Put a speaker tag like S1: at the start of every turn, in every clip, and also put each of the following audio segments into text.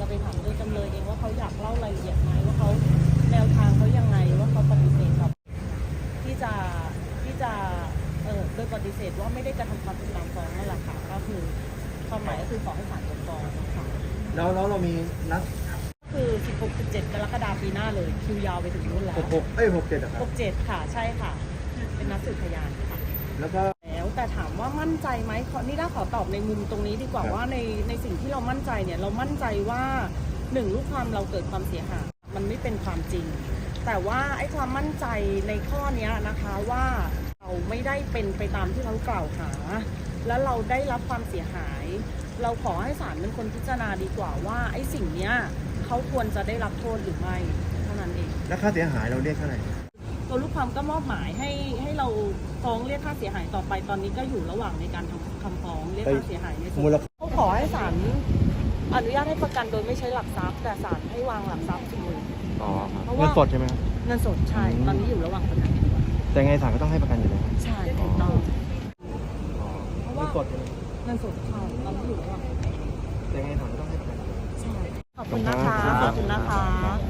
S1: ไปถามตัวจำเลยเองว่าเขาอยากเล่ารายละเอียดไหมว่าเขาแนวทางเขายังไงว่าเขาปฏิเสธกับที่จะโดยปฏิเสธว่าไม่ได้กระทำความผิดตามฟ้องนั่นแหละค่ะก็คือความหมายก็คือขอให้ศาลยกฟ้องค่ะ
S2: แล้วเรามีนัด
S1: คือ 16-17 กรกฎาคมปีหน้าเลยคิวยาวไปถึงนู่นแล้ว
S2: 67ครับ
S1: 67ค่ะใช่ค่ะเป็นนัดสืบพยานค่ะ
S2: แล้วก็
S1: แต่ถามว่ามั่นใจไหมนี่ได้ขอตอบในมุมตรงนี้ดีกว่าว่าในสิ่งที่เรามั่นใจเนี่ยเรามั่นใจว่า1ลูกความเราเกิดความเสียหายมันไม่เป็นความจริงแต่ว่าไอ้ความมั่นใจในข้อนี้นะคะว่าเราไม่ได้เป็นไปตามที่เขากล่าวหาและเราได้รับความเสียหายเราขอให้ศาลเป็นคนพิจารณาดีกว่าว่าไอ้สิ่งเนี้ยเขาควรจะได้รับโทษหรือไม่เท่านั้นเอง
S2: และค่าเสียหายเราเรียกเท่าไหร่
S1: ตัวลูกความก็มอบหมายให้เราฟ้องเรียกค่าเสียหายต่อไปตอนนี้ก็อยู่ระหว่างในการทำคำฟ้องเรียกค่าเสียหายในส่วนเขาขอให้ศาลอนุญาตให้ประกันโดยไม่ใช้หลักทรัพย์แต่ศาลให้วางหลักทรัพย์40,000
S2: เพราะว่าเงินสดใช่ไหมครับ
S1: เงินสดใช่ตอนนี้อยู่ระหว่างประกัน
S2: แต่ไงศาลก็ต้องให้ประกันอยู่แล้ว
S1: ใช่ถูกต้องเพราะว่า
S2: เงินสด
S1: เงินสดใช่ตอนนี้อยู่ระหว่าง
S2: แต่ไงศาลก็ต้องให้ประกัน
S1: ใช่ขอบคุณนะคะขอบคุณนะคะ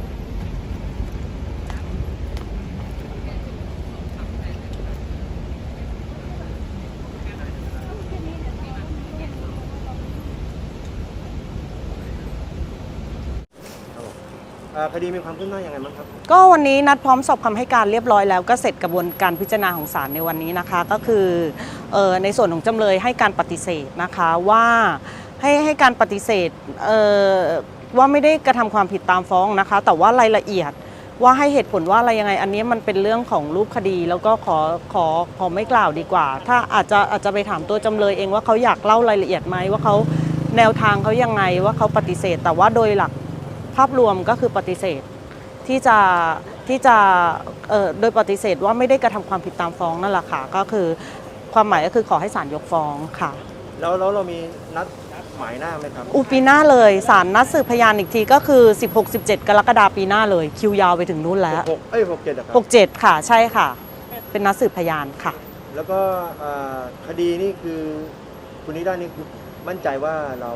S2: คดีมีความคืบหน้ายังไงบ้างครับ
S1: ก็วันนี้นัดพร้อมสอบคำให้การเรียบร้อยแล้วก็เสร็จกระบวนการพิจารณาของศาลในวันนี้นะคะก็คือในส่วนของจำเลยให้การปฏิเสธนะคะว่าให้การปฏิเสธว่าไม่ได้กระทำความผิดตามฟ้องนะคะแต่ว่ารายละเอียดว่าให้เหตุผลว่าอะไรยังไงอันนี้มันเป็นเรื่องของรูปคดีแล้วก็ขอไม่กล่าวดีกว่าถ้าอาจจะไปถามตัวจำเลยเองว่าเขาอยากเล่ารายละเอียดไหมว่าเขาแนวทางเขายังไงว่าเขาปฏิเสธแต่ว่าโดยหลักภาพรวมก็คือปฏิเสธที่จะโดยปฏิเสธว่าไม่ได้กระทำความผิดตามฟ้องนั่นแหละค่ะก็คือความหมายก็คือขอให้ศาลยกฟ้องค่ะ
S2: แล้วเรามีนัดหมายหน้าไหมครับ
S1: ปีหน้าเลยศาลนัดสืบพยานอีกทีก็คือ 16-17 กรกฎาคมปีหน้าเลยคิวยาวไปถึงนู้นแล้ว67ค่ะใช่ค่ะเป็นนัดสืบพยานค่ะ
S2: แล้วก็คดีนี่คือคุณนิด้านี่คือมั่นใจว่าเรา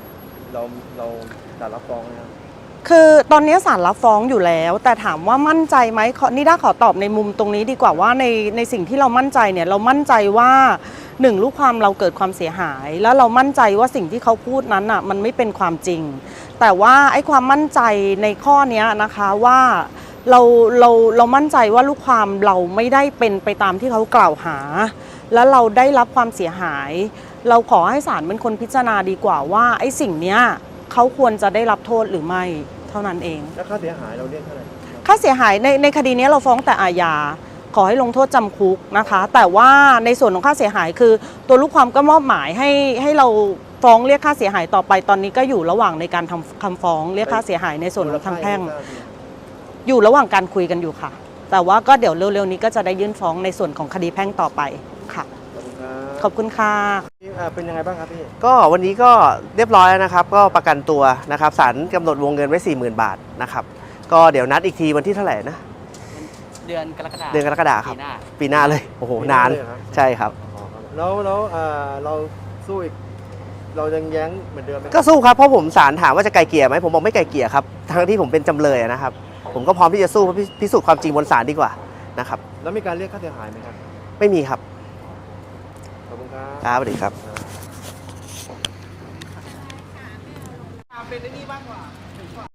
S2: จะรับฟ้องนะครับ
S1: คือตอนนี้ศาลรับฟ้องอยู่แล้วแต่ถามว่ามั่นใจไหมนี่ได้ขอตอบในมุมตรงนี้ดีกว่าว่าในสิ่งที่เรามั่นใจเนี่ยเรามั่นใจว่า1ลูกความเราเกิดความเสียหายแล้วเรามั่นใจว่าสิ่งที่เขาพูดนั้นอ่ะมันไม่เป็นความจริงแต่ว่าไอ้ความมั่นใจในข้อนี้นะคะว่าเรามั่นใจว่าลูกความเราไม่ได้เป็นไปตามที่เขากล่าวหาแล้วเราได้รับความเสียหายเราขอให้ศาลเป็นคนพิจารณาดีกว่าว่าไอ้สิ่งเนี้ยเขาควรจะได้รับโทษหรือไม่เท่านั้นเอง
S2: แล้วค่าเสียหายเราเรียกเท่าไหร่
S1: ค่าเสียหายในคดีนี้เราฟ้องแต่อาญาขอให้ลงโทษจำคุกนะคะแต่ว่าในส่วนของค่าเสียหายคือตัวลูกความก็มอบหมายให้เราฟ้องเรียกค่าเสียหายต่อไปตอนนี้ก็อยู่ระหว่างในการทำคำฟ้องเรียกค่าเสียหายในส่วนของทางแพ่งอยู่ระหว่างการคุยกันอยู่ค่ะแต่ว่าก็เดี๋ยวเร็วๆนี้ก็จะได้ยื่นฟ้องในส่วนของคดีแพ่งต่อไปค่ะขอบคุณค่ะ
S2: เป็นยังไงบ้างครับพี่
S3: ก็วันนี้ก็เรียบร้อยแล้วนะครับก็ประกันตัวนะครับศาลกำหนดวงเงินไว้ 40,000 บาทนะครับก็เดี๋ยวนัดอีกทีวันที่เท่าไหร่นะ
S4: เดือนกรกฎาคม
S3: ครับปีหน้าเลยโอ้โหนานใช่ครับ
S2: แล้วเราสู้อีกเรายังแย้งเหมือนเดิมไหม
S3: ก็สู้ครับเพราะผมศาลถามว่าจะไกลเกลี่ยไหมผมบอกไม่ไกลเกลี่ยครับทั้งที่ผมเป็นจำเลยนะครับผมก็พร้อมที่จะสู้เพื่อพิสูจน์ความจริงบนศาลดีกว่านะครับ
S2: แล้วมีการเรียกค่าเสียหายไหมครับ
S3: ไม่มีครับ
S2: ขอบคุณครับ
S3: สวัสดีครับ
S2: เป็นได้นี่บ้างกว่าถึงกว่า